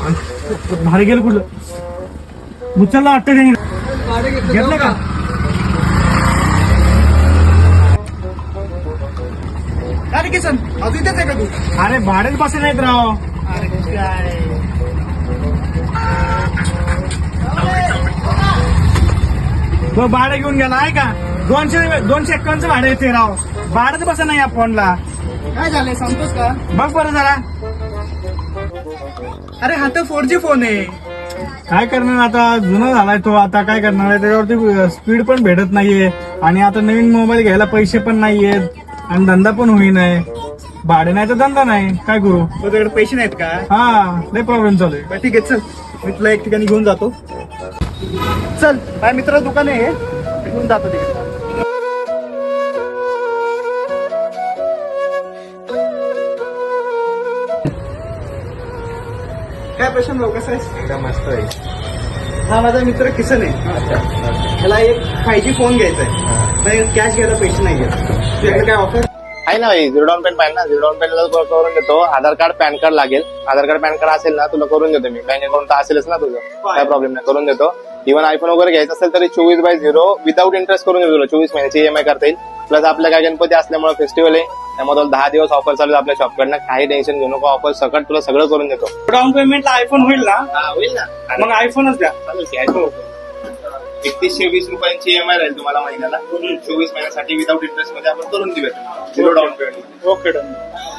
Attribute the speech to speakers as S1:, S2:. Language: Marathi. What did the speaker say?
S1: भाडे गेलं कुठलं उचलला वाटतं त्यांनी घेतलं का?
S2: अरे किसन अजून इथेच आहे का तू?
S1: अरे भाडेच बसे नाहीत राव.
S2: अरे काय
S1: तो भाडं घेऊन गेला आहे का? 251 भाडं येते राव. भाडंच बसा नाही या फोनला.
S2: काय झालंय सांगतोस का?
S1: बघ बरं जरा.
S2: अरे हा तर 4G फोन आहे.
S1: काय करणार आता, जुना झालाय तो. आता काय करणार आहे, त्याच्यावरती स्पीड पण भेटत नाहीये आणि आता नवीन मोबाईल घ्यायला पैसे पण नाहीयेत आणि धंदा पण होईनाय. भाडे नाही तर धंदा नाही, काय करू?
S2: तुझ्याकडे पैसे नाहीत का?
S1: हा लय प्रॉब्लेम चालू आहे.
S2: बरं ठीक आहे, चल मी तुला एक ठिकाणी घेऊन जातो. चल माझ्या मित्राचं दुकान आहे, घेऊन जातो तिकडे. काय प्रशांत भाऊ, कसं आहेस?
S3: एकदम मस्त आहे.
S2: हा माझा मित्र किसन आहे. त्याला एक 5G फोन घ्यायचा आहे, पण कॅश घ्यायला पैसे नाही आहेत. तुझ्याकडे काय ऑफर
S3: आहे ना भाई, झिरो डाऊन पेमेंट पाहिजे ना. झिरो डाऊन पेमेंट करून देतो. आधार कार्ड पॅन कार्ड लागेल. आधार कार्ड पॅन कार्ड असेल ना तुला करून देतो मी. बँक अकाउंट तर असेलच ना तुझं, काय प्रॉब्लेम नाही, करून देतो. इव्हन आयफोन वगैरे घ्यायचं असेल तरी 24/0 विदाऊट इंटरेस्ट करून देतो तुला. 24 महिन्याची EMI करता येईल. प्लस आपल्या काय गणपती असल्यामुळे फेस्टिवल आहे, त्यामुळे तुला 10 दिवस ऑफर चालू आहे आपल्या शॉपकडनं. काही टेन्शन घेऊ नको, ऑफर सकट तुला सगळं करून देतो.
S1: डाऊन पेमेंटला आयफोन होईल ना?
S3: होईल ना,
S1: मग आयफोनच द्या.
S3: चालेल की आयफोन. 3120 रुपयांची EMI राहील तुम्हाला महिन्याला. 24 महिन्यासाठी विदाऊट इंटरेस्ट मध्ये आपण करून देऊया zero down payment.
S1: Okay done.